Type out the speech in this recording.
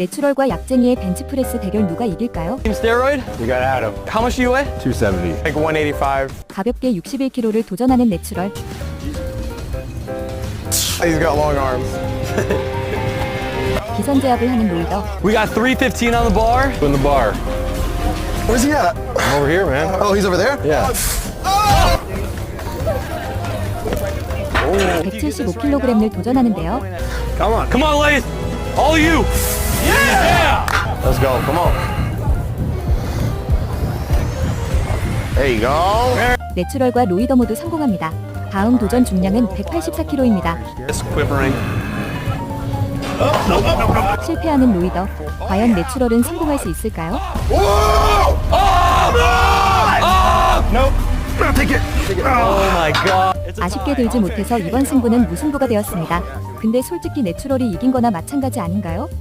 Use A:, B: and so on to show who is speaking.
A: 내추럴과 약쟁이의 벤치프레스 대결 누가 이길까요?
B: Team steroid?
C: We got Adam.
B: How much do you weigh?
C: 270.
B: Like 185.
A: 가볍게 61kg를 도전하는 내추럴.
B: He's got long arms.
A: 기선제압을 하는 로이더.
B: We got 315 on the bar.
C: In the bar.
D: Where's he at?
C: I'm over here, man.
D: Oh, he's over there?
C: Yeah.
A: 175kg을 도전하는데요.
C: Come on.
B: Come on, ladies. All you. Yeah!
C: Let's go. Come on. There you go.
A: 내추럴과 로이더 모두 성공합니다. 다음 도전 중량은 184kg입니다.
B: It's quivering.
A: 실패하는 로이더. 과연 내추럴은 성공할 수 있을까요?
B: Nope. Take it. Oh my god.
A: 아쉽게 들지 못해서 이번 승부는 무승부가 되었습니다. 근데 솔직히 내추럴이 이긴 거나 마찬가지 아닌가요?